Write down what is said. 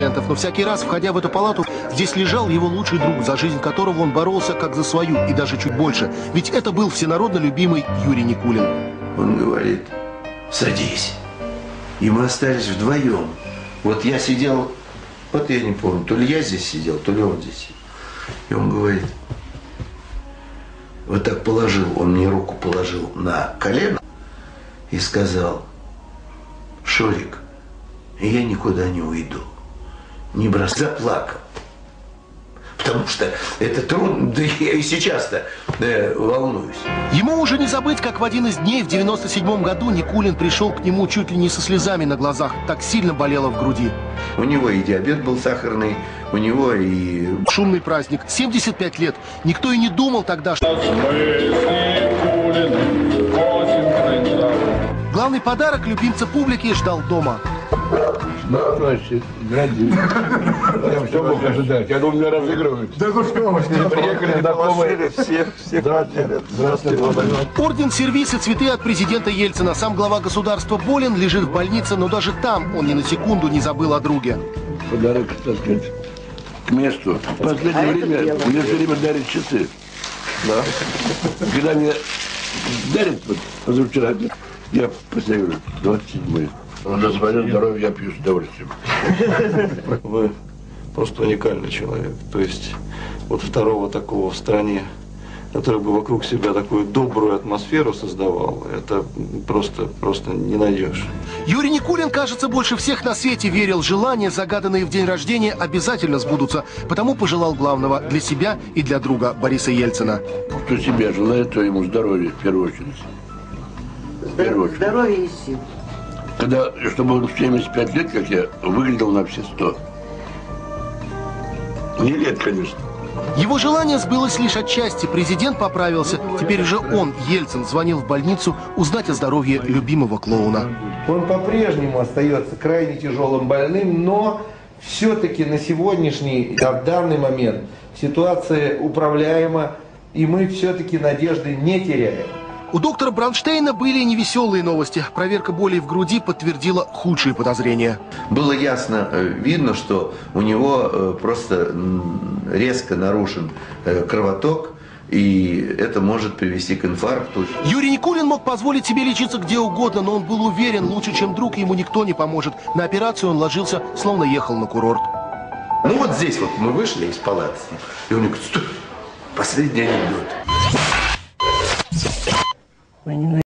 пациентов, но всякий раз, входя в эту палату, здесь лежал его лучший друг, за жизнь которого он боролся как за свою и даже чуть больше. Ведь это был всенародно любимый Юрий Никулин. Он говорит: садись. И мы остались вдвоем. Вот я сидел, вот я не помню, то ли я здесь сидел, то ли он здесь сидел. И он говорит, вот так положил, он мне руку положил на колено и сказал: Шурик, я никуда не уйду, не бросай. Заплакал. Потому что это трудно, да я и сейчас-то волнуюсь. Ему уже не забыть, как в один из дней в 97 году Никулин пришел к нему чуть ли не со слезами на глазах. Так сильно болело в груди. У него и диабет был сахарный, у него и... Шумный праздник. 75 лет. Никто и не думал тогда, что... Главный подарок любимца публики ждал дома. Значит, я все мог ожидать. Я думал, меня разыгрывают. Да ну что вы, приехали знакомые. Все здравствуйте. Орден, сервиз и цветы от президента Ельцина. Сам глава государства болен, лежит в больнице, но даже там он ни на секунду не забыл о друге. Подарок, так сказать, к месту. В последнее время мне все время дарят часы. Да. Когда мне дарят, вот позавчера, я поставил 27-й. За свое здоровье я пью с удовольствием. Вы просто уникальный человек. То есть вот второго такого в стране, который бы вокруг себя такую добрую атмосферу создавал, это просто не найдешь. Юрий Никулин, кажется, больше всех на свете верил, желания, загаданные в день рождения, обязательно сбудутся. Потому пожелал главного для себя и для друга Бориса Ельцина. Кто себе желает, то ему здоровья в первую очередь. Здоровье и сил. Когда, чтобы он в 75 лет, как я, выглядел на все 100. Не лет, конечно. Его желание сбылось лишь отчасти. Президент поправился. Теперь уже он, Ельцин, звонил в больницу узнать о здоровье любимого клоуна. Он по-прежнему остается крайне тяжелым больным, но все-таки на сегодняшний, в данный момент ситуация управляема, и мы все-таки надежды не теряем. У доктора Бронштейна были и невеселые новости. Проверка болей в груди подтвердила худшие подозрения. Было ясно, видно, что у него просто резко нарушен кровоток, и это может привести к инфаркту. Юрий Никулин мог позволить себе лечиться где угодно, но он был уверен, лучше, чем друг, ему никто не поможет. На операцию он ложился, словно ехал на курорт. Ну вот здесь вот мы вышли из палаты, и он говорит: стой, последний анекдот.